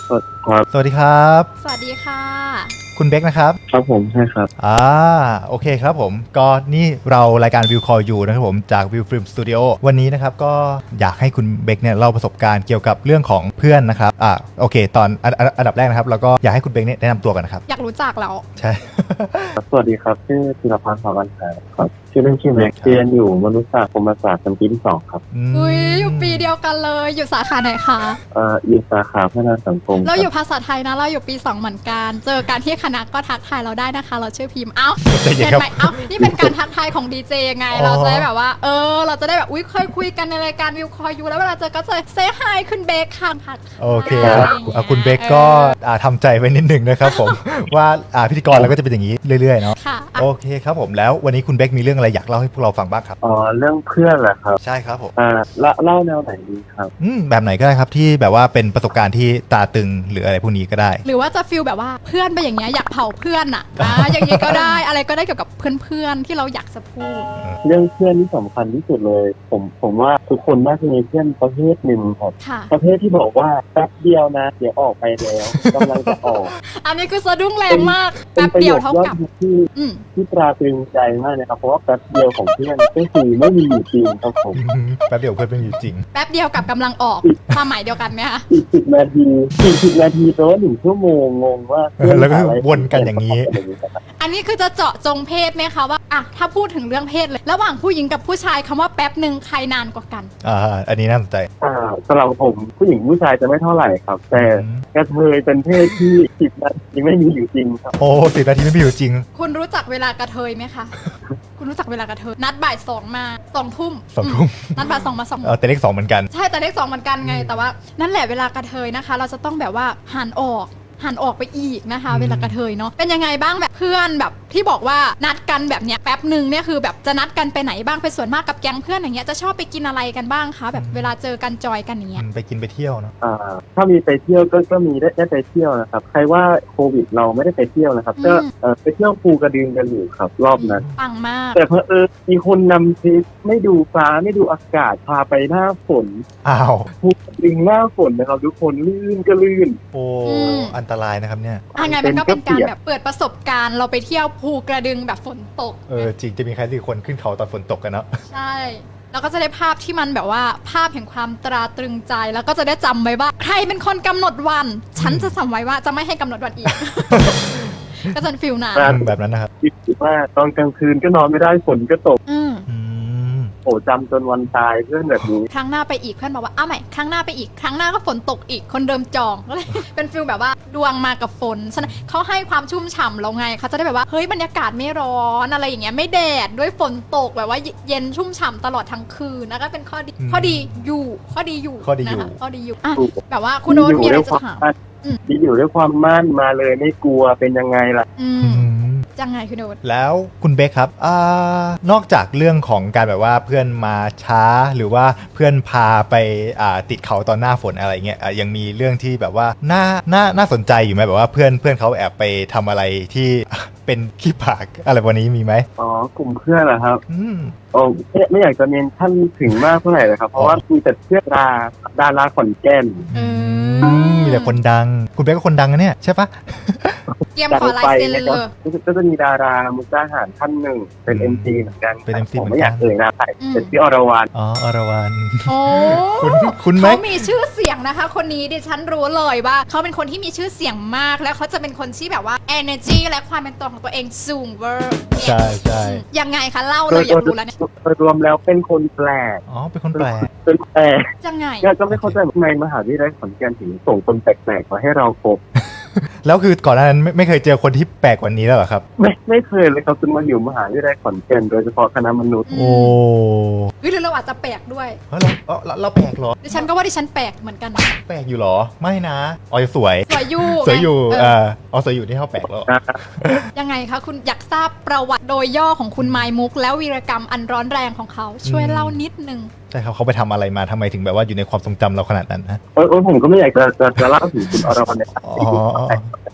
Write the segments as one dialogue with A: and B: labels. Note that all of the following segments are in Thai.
A: สวัสดีครับ
B: สวัสดีค่ะ
A: คุณเบคนะครับ
C: ครับผมใช่ครับ
A: โอเคครับผมก็นี่เรารายการวิวคอลอยู่นะครับผมจากวิวฟิล์มสตูดิโอวันนี้นะครับก็อยากให้คุณเบคเนี่ยเล่าประสบการณ์เกี่ยวกับเรื่องของเพื่อนนะครับโอเคตอนอันดับแรกนะครับแล้วก็อยากให้คุณเบคเนี่ยแนะนำตัวกันนะครับ
B: อยากรู้จักแล้ว
A: ใช่
C: สวัสดีครับชื่อธีรพันธ์ สาวันหาครับชื่อเล่นชื่อแม็กเรียนอยู่มนุษยศาสตร์คมศาสตร์ชั้นปีที่2ครับ
B: อุ้ยอยู่ปีเดียวกันเลยอยู่สาขาไหนคะ
C: อยู่สาขาพัฒนาสังคม
B: เราอยู่ภาษาไทยนะเราอยู่ปี2เหมือนกันเจอกันที่คณะก็ทักทายเราได้นะคะเราชื่อพิมพ์เห็นไหมนี่เป็นการทักทายของดีเจไงเราจะได้แบบว่าเราจะได้แบบเคยคุยกันในรายการวิวคอยูแล้วเวลาเจอก็จะเซฮายคุณเบคค่ะทัก
A: โอเคคุณเบคก็ทำใจไว้นิดหนึ่งนะครับผมว่าพิธีกรเราก็จะเป็นอย่างนี้เรื่อยๆเนาะโอเคครับผมแล้ววันนี้คุณเบคมีเรื่องอะไรอยากเล่าให้พวกเราฟังบ้างครับ
C: เรื่องเพื่อนแหละครับ
A: ใช่ครับผม
C: เล่าแนวไหนดีครับ
A: แบบไหนก็ได้ครับที่แบบว่าเป็นประสบการณ์ที่ตาตึงหรืออะไรพวกนี้ก็ได้
B: หรือว่าจะฟีลแบบว่าเพื่อนไปอย่างเงี้ยอยากเผาเพื่อนอ่ะอย่างนี้ก็ได้อะไรก็ได้เกี่ยวกับเพื่อนๆที่เราอยากจะพูด
C: เรื่องเพื่อนที่สำคัญที่สุดเลยผมว่าทุกคนน่าจะมีเพื่อนประเภทหนึ่งครับประเภทที่บอกว่าแป๊บเดียวนะเดี๋ยวออกไปแล้วกำลังจะออก
B: อันนี้คือสะดุ้งแรงมากแป๊บเดียวเท่ากับ
C: ที่ตราตรึงใจมากนะครับเพราะว่าแป๊บเดียวของเพื่อนก็คือไม่มีอยู่จริงครับผม
A: แป๊บเดียวเพื่อนไม่มีอยู่จริง
B: แป๊บเดียวกับกำลังออกความหมายเดียวกันไหมคะ
C: 40 นาทีแปลว่า1 ชั่วโมงงงว่า
A: แล้วก็วนกันอย่างนี้
B: อันนี้คือจะเจาะจงเพศไหมคะว่าถ้าพูดถึงเรื่องเพศเลยระหว่างผู้หญิงกับผู้ชายคำว่าแป๊บหนึ่งใครนานกว่ากัน
A: อันนี้น่าสนใจ
C: สำหรับผมผู้หญิงผู้ชายจะไม่เท่าไหร่ครับแต่กระเทยเป็นเพศที่10 นาทีไม่มีอยู่จริงครับ
A: โอ้10 นาทีไม่มีอยู่จริง
B: คุณรู้จักเวลากระเทยไหมคะคุณรู้จักเวลากระเทยนัดบ่าย2มา2 ทุ่มนัดบ่าย2มา2
A: แต่เลข2เหมือนกัน
B: ใช่แต่เลข2เหมือนกันไงแต่ว่านั่นแหละเวลากระเทยนะคะเราจะต้องแบบว่าหันออกไปอีกนะคะเวลากระเทยเนาะเป็นยังไงบ้างแบบเพื่อนแบบที่บอกว่านัดกันแบบเนี้ยแป๊บหนึ่งเนี่ยคือแบบจะนัดกันไปไหนบ้างเป็นส่วนมากกับแก๊งเพื่อนอย่างเงี้ยจะชอบไปกินอะไรกันบ้างคะแบบเวลาเจอกันจอยกันอย่างเงี้ย
A: ไปกินไปเที่ยวเนาะ
C: ถ้ามีไปเที่ยวก็มีได้ไปเที่ยวนะครับใครว่าโควิดเราไม่ได้ไปเที่ยวนะครับก็ไปเที่ยวภูกระดึงกันอยู่ครับรอบนั้น
B: ปังมาก
C: แต่มีคนนำทริปไม่ดูฟ้าไม่ดูอากาศพาไปหน้าฝนภูกระดึงหน้าฝนนะครับทุกคนลื่นก็ลื่น
A: โอ้อันตรายนะครับเนี่ย
B: ไงมันก็เป็นการแบบเปิดประสบการณ์เราไปเที่ยวภูกระดึงแบบฝนตก
A: จริงจะมีใครที่คนขึ้นเขาตอนฝนตกกันเนาะ
B: ใช่แล้วก็จะได้ภาพที่มันแบบว่าภาพแห่งความตราตรึงใจแล้วก็จะได้จำไว้ว่าใครเป็นคนกำหนดวันฉันจะจำไว้ว่าจะไม่ให้กำหนดวันอีกก็จะฟิลนั้น
A: แบบนั้นนะครับ
C: คิดว่าตอนกลางคืนก็นอนไม่ได้ฝนก็ตกโอ้จำจนวันตายเพื่อนแบบนี้
B: ครั้งหน้าไปอีกเพื่อนบอกว่าใหม่ครั้งหน้าไปอีกครั้งหน้าก็ฝนตกอีกคนเดิมจองก็เลยเป็นฟิลแบบว่าดวงมากับฝนฉะนั้นเขาให้ความชุ่มฉ่ำเราไงเขาจะได้แบบว่าเฮ้ยบรรยากาศไม่ร้อนอะไรอย่างเงี้ยไม่แดดด้วยฝนตกแบบว่าเย็นชุ่มฉ่ำตลอดทั้งคืนนะก็เป็นข้อดีอยู่นะคะข้อดีอยู่แบบว่าคุณโน้ตมีอะไรจะถาม
C: ดีอยู่ด้วยความมั่นมาเลยไม่กลัวเป็นยังไงล่ะ
B: ยังไงคุณโน้ต
A: แล้วคุณเบคครับนอกจากเรื่องของการแบบว่าเพื่อนมาช้าหรือว่าเพื่อนพาไปติดเขาตอนหน้าฝนอะไรเงี้ยยังมีเรื่องที่แบบว่าน่าสนใจอยู่ไหมแบบว่าเพื่อนเขาแอบไปทำอะไรที่เป็นขี้ผากอะไรวันนี้มีไหม
C: กลุ่มเพื่อนเหรอครับไม่อยากจะเน้นท่านถึงมากเท่าไหร่เลยครับเพราะว่ามีแต่เพื่อนดาราขอนแก่น
A: มีแต่คนดังคุณเบคก็คนดังนะเนี่ยใช่ปะ
B: เตรียมขอลายเซ็นเลย
C: ก็จะมีดารามุกดาหารท่านหนึ่งเป็น MC เหมือนกัน
A: เป็น MC
C: ผมไม่อยากนะใครเป็นพี่อรวรรณ
A: อรวรรณ
B: โอ้
A: คุณไหม
B: เขามีชื่อเสียงนะคะคนนี้ดิฉันรู้เลยว่าเขาเป็นคนที่มีชื่อเสียงมากแล้วเขาจะเป็นคนที่แบบว่า energy และความเป็นตัวของตัวเองสูงเวอร์
A: ใช่
B: ยังไงคะเล่าเลยอยากรู้แล้วเนี่ย
C: รวมแล้วเป็นคนแปลก
A: เป็นคนแปลก
B: ยังไง
C: ก็ไม่เข้าใจทำไมมหาวิทยาลัยขอนแก่นถึงส่งคนแปลกๆมาให้เราพบ
A: แล้วคือก่อนหน้านั้นไม่เคยเจอคนที่แปลกกว่านี้แล้วเหรอครับ
C: ไม่เคยเลยครับจนมาอยู่มหาวิทยาลัยขอนแก่นโดยเฉพาะคณะมนุษย์
A: โอ้
B: หรือเราอาจจะแปลกด้วย
A: เราแปลกเหรอ
B: ดิฉันก็ว่าดิฉันแปลกเหมือนกัน
A: แปลกอยู่เหรอไม่นะสวย
B: อยู่
A: สวยอยู่สวยอยู่ที่เขาแปลกแล้ว
B: ยังไงคะคุณอยากทราบประวัติโดยย่อของคุณไมมุกแล้ววีรกรรมอันร้อนแรงของเขาช่วยเล่านิดนึง
A: ใช่ครับเขาไปทำอะไรมาทำไมถึงแบบว่าอยู่ในความทรงจำเราขนาดนั้นนะ
C: ผมก็ไม่อยากจะเล่าถึงคุณอรวรรณเนี่ย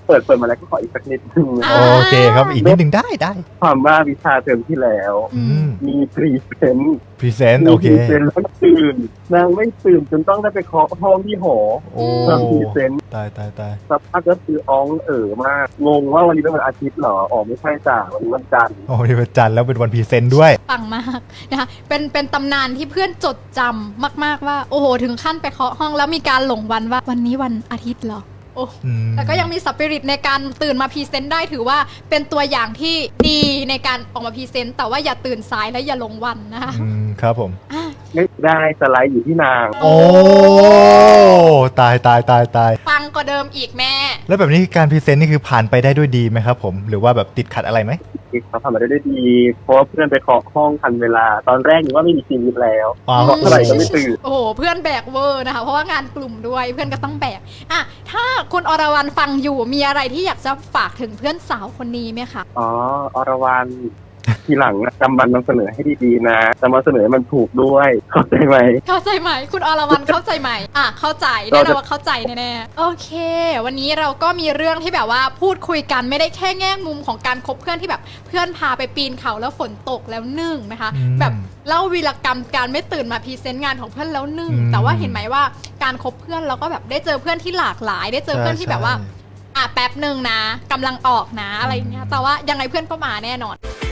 C: เปิดมาแล้วก็ขออีกสักนิดนึงนะ
A: โอเคครับอีกนิดหนึ่งได้
C: ความว่าวิชาเทอมที่แล้ว มีพรีเซนต์
A: พรีเซนต์โอเค
C: พรีเซนต์แล้วตื่นนางไม่ตื่นจนต้องได้ไปเคาะห้องที่หอ
A: โอ้
C: ทำพรีเซนต์
A: ตาย
C: สักพักก็คืออ้องมากงงว่าวันนี้เป็นวันอาทิตย์เหรออ๋อไม่ใช่จ้ะวันนี้วันจันทร์
A: โอ้นี่เป็นจันทร์แล้วเป็นวันพรีเซนต์ด้วย
B: ปังมากนะคะเป็นตำนานที่เพื่อนจดจำมากๆว่าโอ้โหถึงขั้นไปเคาะห้องแล้วมีการหลงวันว่าวันนี้วันอาทิตย์เหรอโอ้ แต่ก็ยังมีสปิริตในการตื่นมาพรีเซนต์ได้ถือว่าเป็นตัวอย่างที่ดีในการออกมาพรีเซนต์แต่ว่าอย่าตื่นสายและอย่าหลงวันนะคะ
A: ครับผม
C: ไม่ได้สไลด์อยู่ที่นาง
A: โอ้ตาย
B: ปังกว่าเดิมอีกแม่
A: แล้วแบบนี้การพรีเซนต์นี่คือผ่านไปได้ด้วยดีไหมครับผมหรือว่าแบบติดขัดอะไรไหม
C: เขาทำมาได้ดีเพราะว่าเพื่อนไปเคาะห้องทันเวลา ตอนแรกนึกว่าไม่มีชีวิตแล้ว
A: อ๋อ
C: เคาะเท่าไหร่ก็ไม่ตื่น
B: โอ้โหเพื่อนแบกเวอร์นะคะเพราะว่างานกลุ่มด้วยเพื่อนก็ต้องแบกอ่ะถ้าคุณอรวรรณฟังอยู่มีอะไรที่อยากจะฝากถึงเพื่อนสาวคนนี้ไหมคะ
C: อ๋ออรวรรณทีหลังนะจำบันนำเสนอให้ดีๆนะจะมาเสนอให้มันถูกด้วยเข้าใจไหม
B: เข้าใจไหมคุณอรวรรณเข้าใจไหมเข้าใจแน่นอนว่าเข้าใจแน่ๆโอเค วันนี้เราก็มีเรื่องที่แบบว่าพูดคุยกันไม่ได้แค่แง่มุมของการคบเพื่อนที่แบบเพื่อนพาไปปีนเขาแล้วฝนตกแล้วนึ่งนะคะ แบบเล่าวีรกรรมการไม่ตื่นมาพรีเซนต์งานของเพื่อนแล้วนึ่งแต่ว่าเห็นไหมว่าการคบเพื่อนเราก็แบบได้เจอเพื่อนที่หลากหลาย ได้เจอเพื่อนที่แบบว่าแป๊บหนึ่งนะกำลังออกนะอะไรเงี้ยแต่ว่ายังไงเพื่อนก็มาแน่นอน